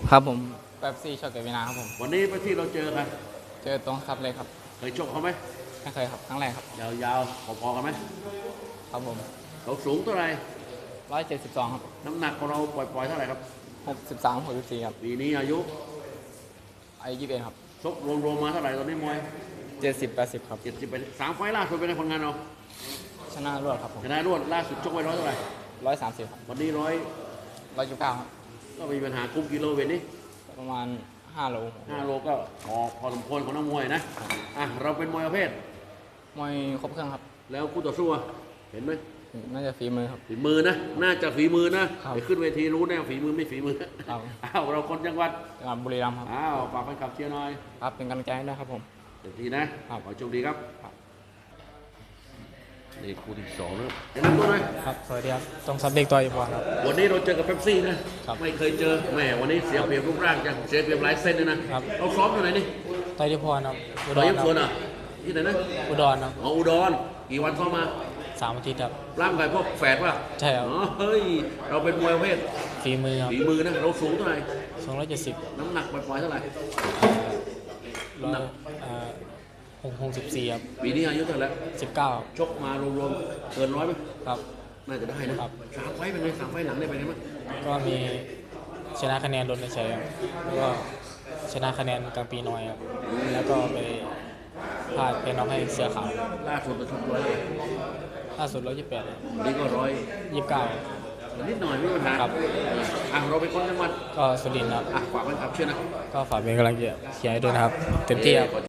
ครับผมแบบซี่ช็อตเกตวินาครับผมวันนี้ไปที่เราเจอกันเจอตรงครับเลยครับเคยชกเขาไหมไม่เคยครับครั้งแรกครับยาวๆพอๆกันไหมครับผมเราสูงเท่าไหร่ 172ครับน้ำหนักของเราปล่อยๆเท่าไหร่ครับ 63 64ครับปีนี้อายุอายุ21ครับชกรวมๆมาเท่าไหร่ตอนนี้มวย 70 80ครับ 70ไป3 ไฟล์ล่าสุดเป็นไงผลงานเราชนะรวดครับผมชนะรวดล่าสุดชกไว้ร้อยเท่าไหร่ 130ครับวันนี้ 129ครับก็มีปัญหาคุมกิโลเวทนี้ประมาณ5 โล 5 โลก็พอสมควรของนักมวยนะเราเป็นมวยประเภทมวยครบเครื่องครับแล้วคู่ต่อสู้เห็นไหมน่าจะฝีมือครับฝีมือนะน่าจะฝีมือนะไปขึ้นเวทีรู้แน่ฝีมือไม่ฝีมือเราคนจังหวัดบุรีรัมย์ครับฝากแฟนคลับเชียร์หน่อยครับเป็นกำลังใจให้ด้วยครับผมเต็มที่นะขอโชคดีครับนี่คู่ที่2นะครับแนะนำตัวหน่อยครับสวัสดีครับต้องซับเด็กตัวอีกวันครับวันนี้เราเจอกับเป๊ปซี่นะครับไม่เคยเจอแหมวันนี้เสียเปรียบรูปร่างจังเสียเปรียบหลายเส้นเลยนะครับเราซ้อมอยู่ไหนนี่ต่อยที่พรครับอุดรครับที่ไหนนะอุดรครับอุดรกี่วันซ้อมมา 3 อาทิตย์ครับร่างกายพวกแฝดป่ะใช่ครับเฮ้ยเราเป็นมวยประเภทฝีมือครับฝีมือนะเราสูงเท่าไหร่ 270 น้ำหนักปล่อยๆเท่าไหร่ 64ครับปีนี้อายุเท่าไหร่ 19 ชกมารวมๆเกิน100ไหมครับน่าจะได้นะครับ3 ไฟล์เป็นไง3 ไฟล์หลังได้ไปไงบ้างก็มีชนะคะแนนโดนในชัยครับแล้วก็ชนะคะแนนกลางปีน้อยครับแล้วก็ไปพลาดไปน็อกให้เสือขาวล่าสุดเราชกล่าสุด128 นี่ก็ 29 นิดหน่อยไม่มีปัญหาครับเราเป็นคนจังหวัดก็สุรินทร์ครับฝากไว้ครับเชื่อนะก็ฝากเป็นกำลังใจเชียร์ให้ด้วยนะครับเต็มที่ครับ